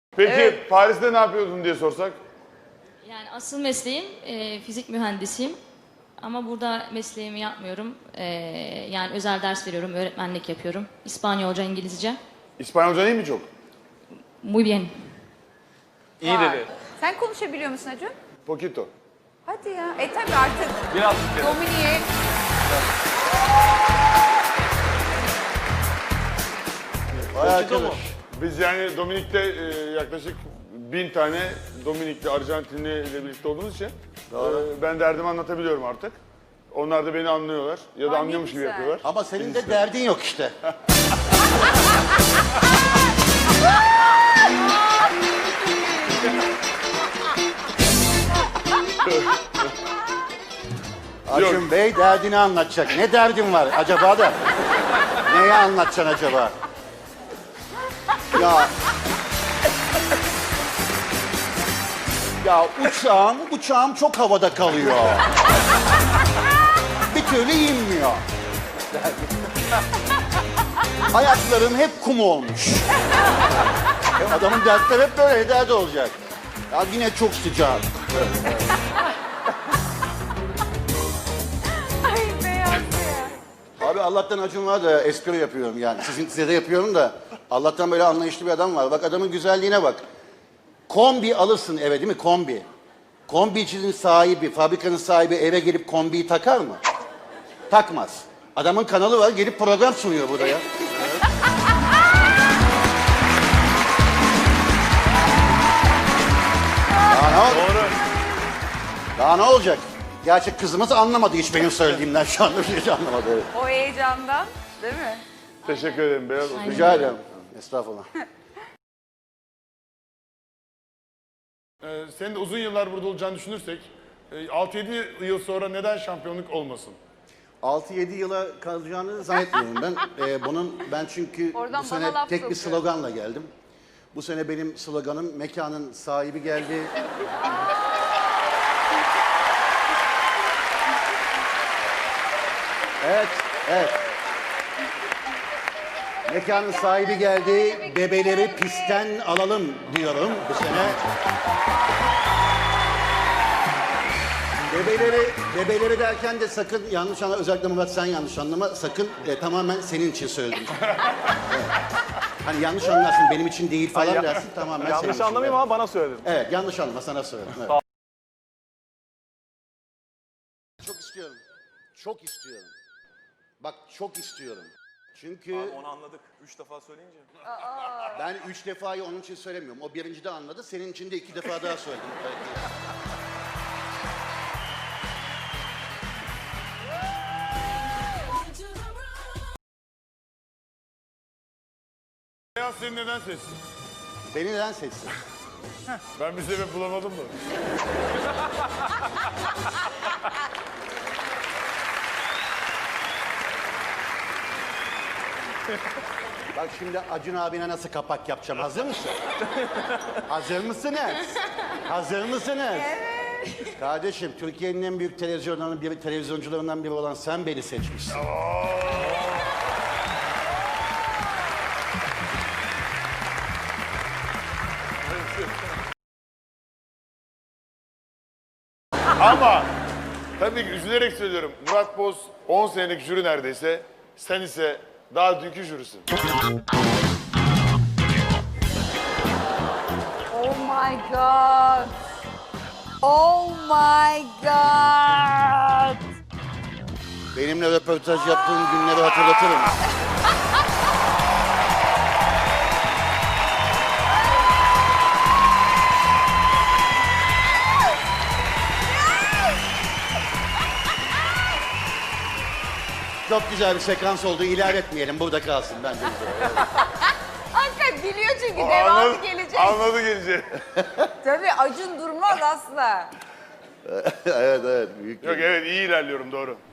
Peki Evet. Paris'te ne yapıyordun diye sorsak? Yani asıl mesleğim fizik mühendisiyim. Ama burada mesleğimi yapmıyorum. Yani özel ders veriyorum, öğretmenlik yapıyorum. İspanyolca, İngilizce. İspanyolca iyi mi çok? Muy bien. İyi Vay. dedi. Sen konuşabiliyor musun Acun? Poquito. Hadi ya. Tabii artık Biraz Dominik'e Poquito mu? Biz yani Dominik'te yaklaşık 1000 tane Dominikli, Arjantinli ile birlikte olduğumuz için ben derdimi anlatabiliyorum artık. Onlar da beni anlıyorlar ya da Ay, ne anlıyormuş gibi güzel. yapıyorlar. Ama senin de derdin yok işte. Acun Bey derdini anlatacak. Ne derdin var acaba da? Neyi anlatacaksın acaba? Ya... Ya uçağım çok havada kalıyor. Bir türlü inmiyor. Ayaklarım hep kum olmuş. Adamın dertleri hep böyle derdi olacak. Ya yine çok sıcak. Ay beyaz ya. Abi Allah'tan Acun var da espri yapıyorum yani. Size de yapıyorum da Allah'tan böyle anlayışlı bir adam var. Bak adamın güzelliğine bak. Kombi alırsın eve değil mi? Kombi. Kombicinin sahibi, fabrikanın sahibi eve gelip kombiyi takar mı? Takmaz. Adamın kanalı var, gelip program sunuyor burada ya. Daha ne olacak? Doğru. Daha ne olacak? Gerçi kızımız anlamadı hiç benim söylediğimden şu anda hiç anlamadı. Evet. O heyecandan değil mi? Teşekkür ederim Beyaz. Rica ederim. Estağfurullah. Senin de uzun yıllar burada olacağını düşünürsek 6-7 yıl sonra neden şampiyonluk olmasın? 6-7 yıla kalacağını zannetmiyorum ben. Ben çünkü Oradan bu bana sene laf tek bir sokuyor. sloganla geldim. Bu sene benim sloganım mekanın sahibi geldi. Evet, evet. Mekanın sahibi geldi. Bebeleri pistten alalım diyorum bu sene. Bebeleri derken de sakın yanlış anlama, özellikle Murat sen yanlış anlama, sakın tamamen senin için söyledim. Evet. Hani yanlış anlarsın, benim için değil falan dersin, tamamen senin için. Yanlış anlamayayım ama bana söyledin. Evet, yanlış anlama, sana söyledim. Evet. Sağ- Çok istiyorum, çok istiyorum. Bak çok istiyorum. Çünkü Abi onu anladık. 3 defa söyleyince. ben 3 defayı onun için söylemiyorum. O birinci de anladı, senin için de 2 defa daha söyledim. Beyaz seni neden seçsin? Beni neden seçsin? Ben bir sebep bulamadım da. Bak şimdi Acun abine nasıl kapak yapacağım. Hazır mısın? Hazır mısınız? Hazır mısınız? Evet. Kardeşim Türkiye'nin en büyük televizyoncularından biri olan sen beni seçmişsin. Ama tabii ki üzülerek söylüyorum. Murat Boz 10 senelik jüri neredeyse. Sen ise daha dünkü jürisin. Oh my god. Oh my god. Benimle röportaj yaptığın günleri hatırlatırım. Çok güzel bir sekans oldu. İlerletmeyelim. Burada kalsın bence. Hakikaten biliyor çünkü devamı gelecek. Anladı gelecek. Tabii Acun durmaz asla. Evet. Büyük Yok evet iyi ilerliyorum doğru.